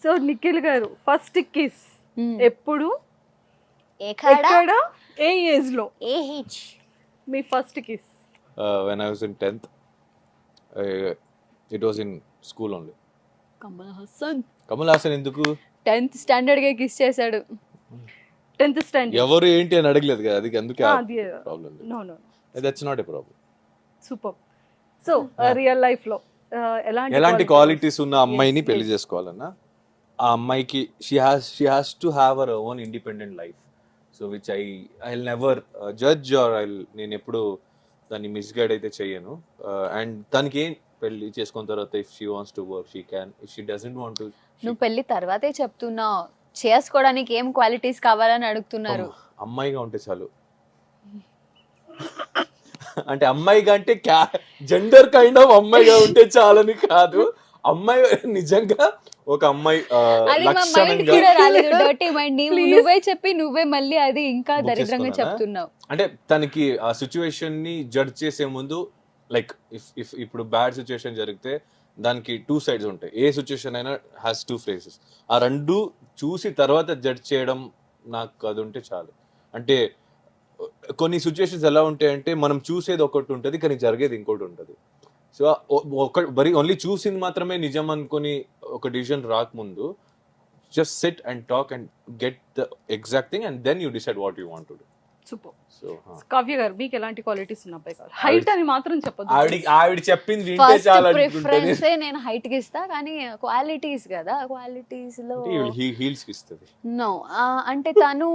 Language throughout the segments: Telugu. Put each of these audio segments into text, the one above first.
సో నిఖిల్ గారు ఫస్ట్ కిస్ ఎప్పుడు, ఎక్కడ, ఎక్కడ, ఏ ఏజ్ లో ఏహెచ్? మీ first kiss? When I was in 10th, it was in school only. Kamal Haasan Kamal Haasan ఎందుకు 10th స్టాండర్డ్ గా కిస్ చేశాడు. 10th standard. ఎవరు ఏంటి అని అడగలేదు కదా, అది అందుకే అది problem. No no that's not a problem. Super. So real life లో ఎలాంటి క్వాలిటీస్ ఉన్న అమ్మాయిని పెళ్లి చేసుకోవాలన్నా ఆ అమ్మాయికి she has to have our own independent life. So which I never judge or నేను ఎప్పుడు దాన్ని మిస్గైడ్ అయితే చెయ్యను. అండ్ దానికి ఏం పెళ్లి చేసుకున్న తర్వాత if she wants to work she can, if she doesn't want to. నువ్వు పెళ్లి తర్వాతే చెప్తున్నావు, చేసుకోవడానికి ఏం క్వాలిటీస్ కావాలని అడుగుతున్నారు. అమ్మాయిగా ఉంటే చాలు. అంటే అమ్మాయిగా అంటే జెండర్ కైండ్ ఆఫ్ అమ్మాయిగా ఉంటే చాలని కాదు, అమ్మాయి నిజంగా ఒక అమ్మాయి అది మా మైండ్ కూడా రాలేదు, డర్టీ మైండ్. నువ్వే చెప్పి నువ్వే మళ్ళీ అది ఇంకా దరిద్రంగా చెప్తున్నావు. అంటే తనకి ఆ సిచ్యువేషన్ ని జడ్జ్ చేసే ముందు లైక్ ఇఫ్ ఇప్పుడు బ్యాడ్ సిచ్యువేషన్ జరిగితే దానికి 2 sides ఉంటాయి. ఏ సిచ్యువేషన్ అయినా హ్యాస్ 2 phases. ఆ రెండు చూసి తర్వాత జడ్జ్ చేయడం నాకు అది ఉంటే చాలు. అంటే కొన్ని సిచ్యువేషన్స్ ఎలా ఉంటాయంటే మనం చూసేది ఒకటి ఉంటుంది కానీ జరిగేది ఇంకోటి ఉంటుంది. సో బరీ ఓన్లీ చూసింది మాత్రమే నిజం అనుకొని ఒక డిసిజన్ రాకముందు just sit and talk and get the exact thing and then you decide what you want to do. Super. So Kavya garu మీకు ఎలాంటి క్వాలిటీస్ ఉన్న అబ్బాయి కావాలి? హైట్ అని మాత్రం చెప్పొద్దు. ఆవిడ చెప్పింది వింటే చాలు అనుకుంటే ప్రిఫరెన్స్ నేను హైట్ కి ఇస్తా, కానీ క్వాలిటీస్ కదా, క్వాలిటీస్ లో హీల్స్ కి ఇస్తుంది. నో అంటే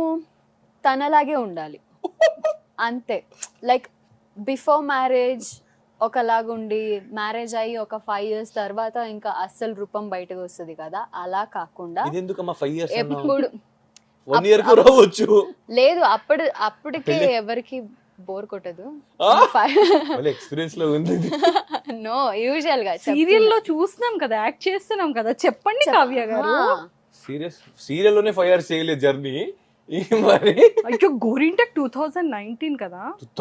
తనలాగే ఉండాలి అంతే. లైక్ బిఫోర్ మ్యారేజ్ ఒకలాగుండి మ్యారేజ్ అయ్యి ఒక 5 years తర్వాత ఇంకా అస్సలు రూపం బయటకు వస్తుంది కదా, అలా కాకుండా ఇది ఎందుకమ్మా 5 years ఎప్పుడు 1 year కు రావచ్చు. లేదు అప్పటికే ఎవరికి బోర్ కొట్టదు. ఎక్స్పీరియన్స్ లో ఉంది. నో యూజువల్ గా సీరియల్ లో చూస్తున్నాం కదా, యాక్ట్ చేస్తున్నాం కదా, చెప్పండి కావ్య గారు. సీరియల్ లోనే 5 years చేయలేదు జర్నీ. మరి అయ్యో గోరింటెక్ 2019 కదా.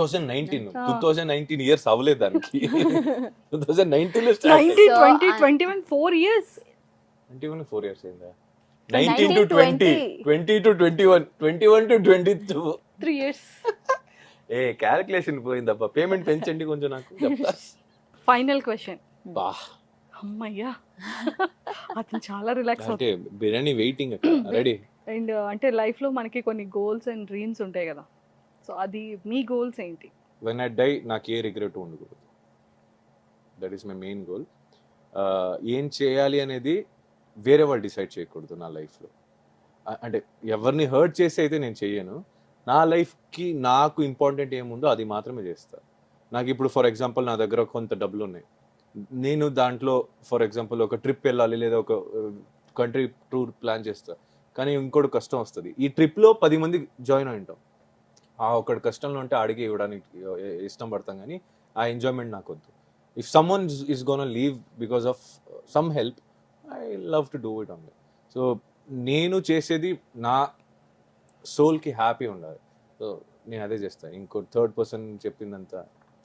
2019 ఇయర్స్ అవ్వలేదు దానికి. 2019 లో 19, 20, 21 4 years. 21 4 years అయిందా? 19 to 20, 20 to 21, 21 to 22, 3 years. ఏ క్యాలిక్యులేషన్ పోయిందబ్బా. పేమెంట్ పెంచండి కొంచెం నాకు. Final question. బా అమ్మయ్యా, అతను చాలా రిలాక్స్ అంటే బిర్యానీ వెయిటింగ్ అక్కడ రెడీ. అండ్ అంటే లైఫ్ లో మనకి కొన్ని గోల్స్ అండ్ డ్రీమ్స్ ఉంటాయి కదా, సో అది మీ గోల్స్ ఏంటి? వెన్ ఐ డై నాకు ఏ రిగ్రెట్ ఉండకూడదు. That is my main goal. ఏం చేయాలి అనేది వేరే వాళ్ళు డిసైడ్ చేయకూడదు నా లైఫ్లో. అంటే ఎవరిని హర్ట్ చేసి అయితే నేను చెయ్యను. నా లైఫ్కి నాకు ఇంపార్టెంట్ ఏముందో అది మాత్రమే చేస్తాను. నాకు ఇప్పుడు ఫర్ ఎగ్జాంపుల్ నా దగ్గర కొంత డబ్బులు ఉన్నాయి, నేను దాంట్లో ఫర్ ఎగ్జాంపుల్ ఒక ట్రిప్ వెళ్ళాలి లేదా ఒక కంట్రీ టూర్ ప్లాన్ చేస్తాను, కానీ ఇంకోటి కష్టం వస్తుంది. ఈ ట్రిప్లో 10 మంది జాయిన్ అయి ఉంటాం. ఆ ఒకటి కష్టంలో ఉంటే అడిగి ఇవ్వడానికి ఇష్టం పడతాం, కానీ ఆ ఎంజాయ్మెంట్ నాకు వద్దు. If someone is gonna leave because of some help, I love to do it only. So నేను చేసేది నా సోల్కి హ్యాపీ ఉండాలి. సో నేను అదే చేస్తాను. ఇంకో థర్డ్ పర్సన్ చెప్పిందంతా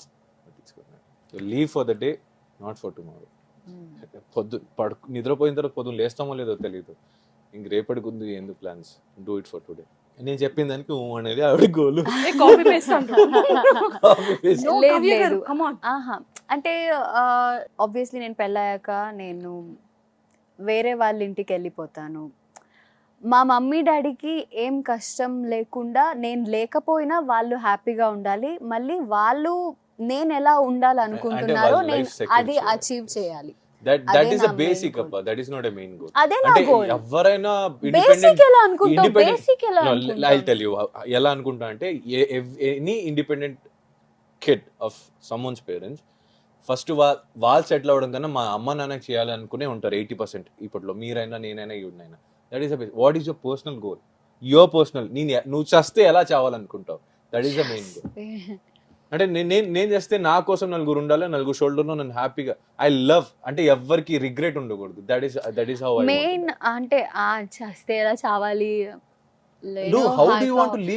leave for the day, not for tomorrow. నిద్రపోయిన తర్వాత పొద్దున్న లేస్తామో లేదో తెలియదు. ఇంక రేపటికి ఉంది ఎందుకు plans, do it for today. నేను చెప్పిన దానికి అనేది ఆవిడ గోలు. అంటే ఆబ్వియస్లీ నేను పెళ్ళాక నేను వేరే వాళ్ళ ఇంటికి వెళ్ళిపోతాను. మా మమ్మీ డాడీకి ఏం కష్టం లేకుండా, నేను లేకపోయినా వాళ్ళు హ్యాపీగా ఉండాలి. మళ్ళీ వాళ్ళు నేను ఎలా ఉండాలనుకుంటున్నారో నేను అది అచీవ్ చేయాలి. That is a basic appa. That is not a main goal. అదే నా గోల్. ఎవరైనా బేసిక్ ఎలా అనుకుంటావు? బేసిక్ ఎలా అనుకుంటావు? I'll tell you ఎలా అనుకుంటా అంటే any independent kid of someone's parents first వాళ్ళు సెటిల్ అవ్వడం కన్నా మా అమ్మ నాన్నకి చేయాలి అనుకునే ఉంటారు 80% ఇప్పట్లో. మీరైనా నేనైనా ఇవిడైనా. That is what is your personal goal? Your personal. నువ్వు చస్తే ఎలా చావాలనుకుంటావు? That is the main goal. అంటే నేను చేస్తే నా కోసం నలుగురు ఉండాలి, నలుగురు షోల్డర్లో నన్ను హ్యాపీగా ఐ లవ్. అంటే ఎవరికి రిగ్రెట్ ఉండకూడదు. That is how I main. అంటే చేస్తే ఎలా చావాలి, how do you want to live?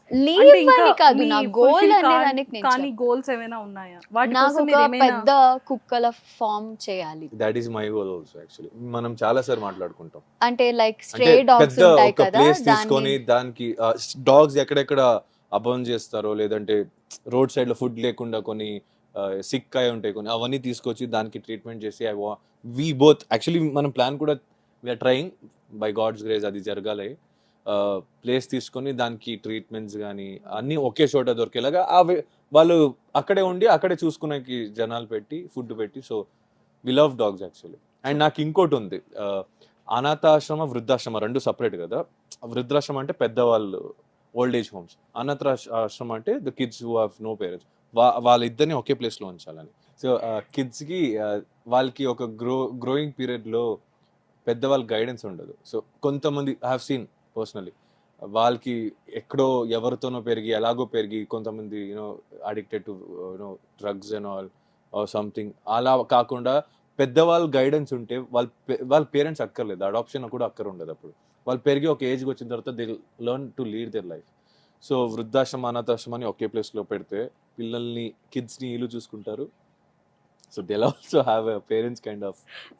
Leave అని కాదు, నా గోల్ అనేదానికి నేను కానీ గోల్స్ ఏమైనా ఉన్నాయా వాటి నాకు కోసం ఒక మీరు ఏమైనా పెద్ద కుక్కల ఫామ్ చేయాలి. That is my goal also actually. మనం చాలా సార్ మాట్లాడుకుంటాం అంటే లైక్ అంటే స్ట్రే డాగ్స్ పెద్ద ఉంటాయి ఒక కదా, ప్లేస్ దాన్ని తీసుకొని దానికి డాగ్స్ ఎక్కడెక్కడ అబౌన్ చేస్తారో లేదంటే రోడ్ సైడ్ లో ఫుడ్ లేకుండా కొన్ని సిక్ అయి ఉంటాయి కొన్ని, అవన్నీ తీసుకొచ్చి దానికి ట్రీట్మెంట్ చేసి వి బోత్ యాక్చువల్లీ మనం ప్లాన్ కూడా we're trying by God's grace అది జరగాలి. ప్లేస్ తీసుకొని దానికి ట్రీట్మెంట్స్ కానీ అన్నీ ఒకే చోట దొరికేలాగా వాళ్ళు అక్కడే ఉండి అక్కడే చూసుకునేకి జనాలు పెట్టి ఫుడ్ పెట్టి. So we love dogs actually. And నాకు ఇంకోటి ఉంది, అనాథాశ్రమ వృద్ధాశ్రమ రెండు సపరేట్ కదా. వృద్ధాశ్రమం అంటే పెద్దవాళ్ళు ఓల్డ్ ఏజ్ హోమ్స్, అనాథాశ్రమం అంటే the kids who have no parents, వాళ్ళిద్దరిని ఒకే ప్లేస్లో ఉంచాలని. సో కిడ్స్కి వాళ్ళకి ఒక గ్రోయింగ్ పీరియడ్లో పెద్దవాళ్ళ గైడెన్స్ ఉండదు. సో కొంతమంది ఐ హావ్ సీన్ పర్సనలీ వాళ్ళకి ఎక్కడో ఎవరితోనో పెరిగి ఎలాగో పెరిగి కొంతమంది you know addicted to you know drugs and all or something. అలా కాకుండా పెద్దవాళ్ళ గైడెన్స్ ఉంటే వాళ్ళ పేరెంట్స్ అక్కర్లేదు, అడాప్షన్ కూడా అక్కర ఉండదు. అప్పుడు వాళ్ళు పెరిగి ఒక ఏజ్కి వచ్చిన తర్వాత they learn to lead their life. So వృద్ధాశ్రమం అనాథాశ్రమాన్ని ఒకే ప్లేస్లో పెడితే పిల్లల్ని కిడ్స్ని వీళ్ళు చూసుకుంటారు. So they also have a parents kind of